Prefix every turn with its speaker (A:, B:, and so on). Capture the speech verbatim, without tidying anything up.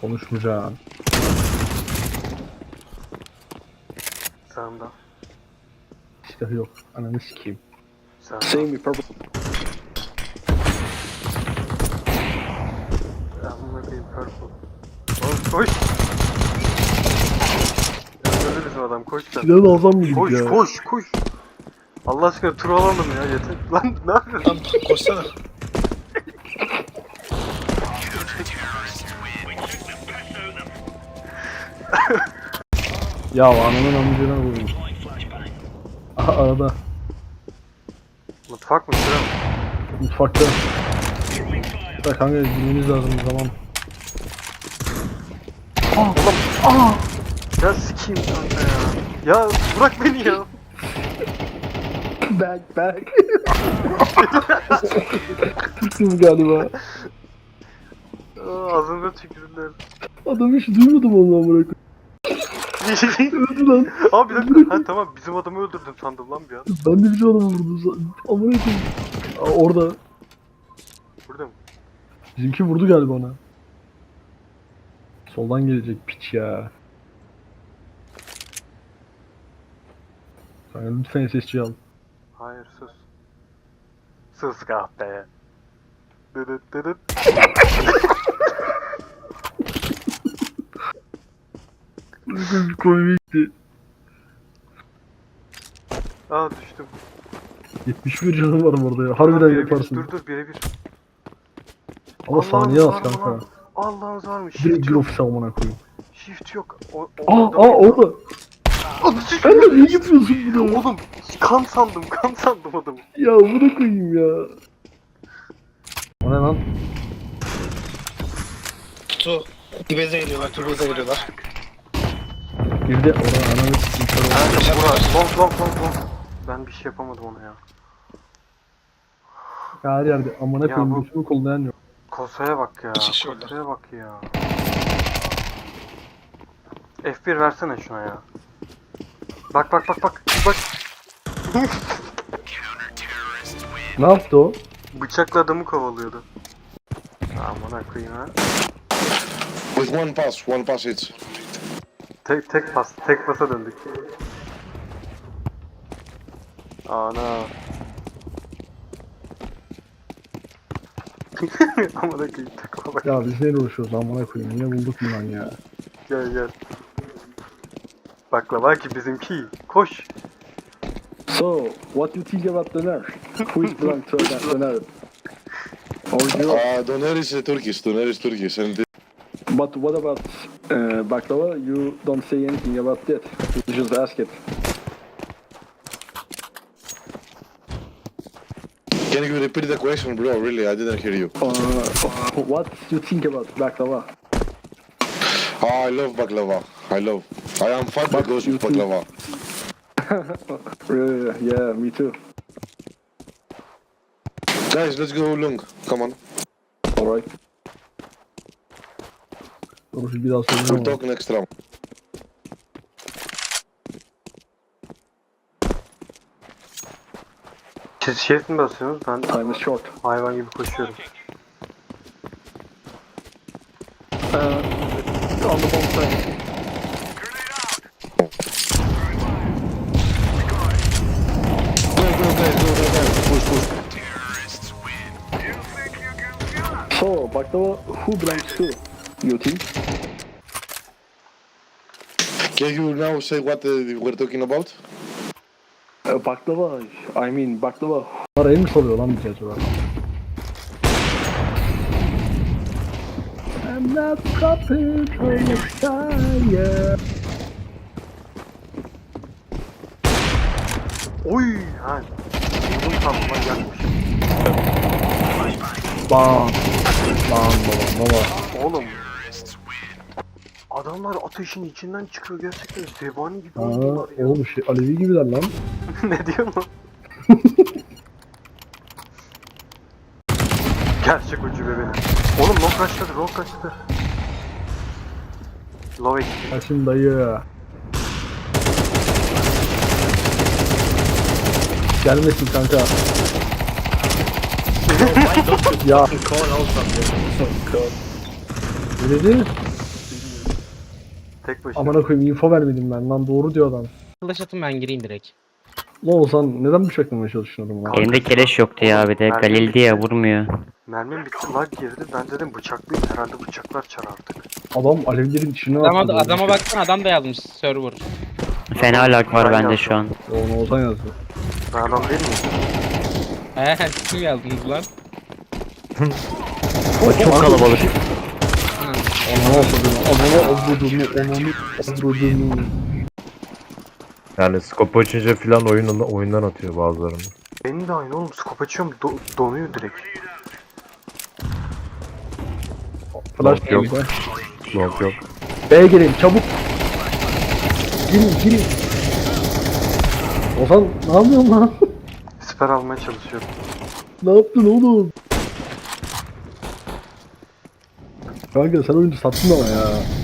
A: Konuşmayacağım.
B: Sağımda.
A: Silah yok. Ananı sikeyim.
B: Sağımda.
C: Seeing me purple.
B: Amına koyayım purple. Oğlum koş. Ya öyle bizim adam koş sen.
A: Silahı da alsam mıydık
B: Koş
A: ya?
B: koş koş. Allah aşkına tur alalım ya yeter. Lan ne yapıyorsun?
C: Tam koşsana.
A: Ya ananın amcına vurdum. Aha arada.
B: Mutfak mı sıra mı?
A: Mutfakta. Da kanka bilmemiz lazım bir zaman.
B: Ya sikeyim kanka ya. Ya bırak beni ya.
A: Back back. Kızım galiba.
B: Aa, ağzımda tükürdüler.
A: Adam hiç duymadım onu amına koyayım. Öldü lan.
B: Abi bir dakika. Ha tamam bizim adamı öldürdüm sandım lan bir an.
A: Ben de bir adamı vurdum. Amına koyayım. Aa, orada.
B: Burada mı?
A: Bizimki vurdu galiba ona. Soldan gelecek piç ya. Kanka lütfen S S C al.
B: Hayır sus. Sus kahpe. Dıdıt dıdıt.
A: Komikti.
B: Aa düştüm.
A: yetmiş bir canım var orada ya. Harbiden
B: Birebir,
A: yaparsın.
B: Dur dur birebir.
A: Ama
B: Allah'ım
A: saniye az
B: var mı
A: kanka.
B: lan? Allah'ınız var mı?
A: Direkt
B: Shift
A: bir
B: yok.
A: ofis almana koyayım.
B: Shift yok. O,
A: Aa
B: o,
A: aa orada.
B: Oğlum,
A: Sen de niye yapıyorsun bunu?
B: Oğlum kan sandım kan sandım adamı.
A: Ya bunu koyayım ya. O ne lan?
C: Su. Dibeze geliyorlar, dibeze geliyorlar.
A: Bir de orada ananı sikeyim. kör oldu.
B: Kanka bura long long long long. Ben bir şey yapamadım ona ya.
A: Ya her yerde amına
B: Ya
A: koyayım
B: bu-
A: götümü kollayan yok.
B: Kosaya bak ya.
C: İki kişi orada.
B: Kosaya bak ya. F bir versene şuna ya. Bak bak bak bak. Bak.
A: Ne yaptı o?
B: Bıçakla adamı kovalıyordu. Aman koyayım ha.
D: With one pass, one pass each.
B: Tek tek pas, tek pasa döndük. Ana. Amına koyayım takıma bak.
A: Ya biz neyle uğraşıyoruz amına koyayım. Niye bulduk mu lan ya?
B: Gel gel. Baklava ki bizimki. Koş.
A: So, what do you think about the nerf? Who is belong to the nerf? Or you?
D: Uh, Doner is uh, Turkish, Doner is Turkish, and uh,
A: But what about uh, baklava? You don't say anything about that. You just ask it.
D: can you repeat the question, bro? Really, I didn't hear you.
A: Uh, what do you think about baklava?
D: Oh, I love baklava. I love. I am fat
A: But
D: because
A: you
D: of
A: think-
D: baklava.
A: Uh, yeah, me too.
D: Guys, let's go long. Come on,
A: Alright. Dur bir daha
D: we'll
A: soracağım.
D: talk next round.
B: Siz şerit mi basıyorsunuz? Ben
A: Time is short.
B: hayvan gibi koşuyorum.
A: Uh, on the bomb side.
D: Go, go, guys, go, go, guys. Push, push.
A: So, baklava, who belongs to? You think?
D: Can you now say what uh, we're talking about?
A: Uh, baklava, I mean baklava. Arayı mı soruyor lan bize acaba? I'm not prepared for the fire.
B: Oy! Ha. Vurdum sandım lan yakmış.
A: Bam. Bam baba baba.
B: Oğlum. Adamlar ateşin içinden çıkıyor gerçekten zebani gibi
A: Aa,
B: oynuyorlar ya.
A: oğlum şey Alevi gibiler lan.
B: Ne diyor mu? Gerçek ucube benim. Oğlum long kaçladı, long kaçladı. Low H P.
A: Kaçın dayı. Gelmesin kanka. ya. Ne dedi?
B: Tek başına.
A: Amına koyayım info vermedim ben lan, doğru diyor adam.
E: Flash atın ben gireyim direkt.
A: Ne olsan neden bıçaklamaya çalışıyorsun lan?
F: Elimde keleş yoktu ya bir de.
B: Mermi
F: Galil diye vurmuyor.
B: Mermim bitti, lag girdi. Ben dedim bıçaklıyım, herhalde bıçaklar çar artık.
A: Adam alevlerin içine
E: Adama,
A: attı.
E: adama baksana adam da yazmış server.
F: Fena lag var
B: Ben
F: bende
B: yazdım.
F: şu an.
A: Onu olsan yazdı.
B: Ben adam değil miyim?
E: He kim yazdınız lan?
F: O çok kalabalık.
A: Ananı avradını, ananı avradını, ananı avradını.
G: Yani scope açınca filan oyundan, oyundan atıyor bazılarını.
B: Benim de aynı oğlum, skop açıyorum do- donuyor direkt.
A: Flash
G: Yok,
A: yok.
G: yok. Long yok.
A: B'ye gelin çabuk. Girin girin. Ozan ne yapıyorsun lan?
B: Siper almaya çalışıyorum.
A: Ne yaptın oğlum? Kanka sen oyuncu sattın ama ya.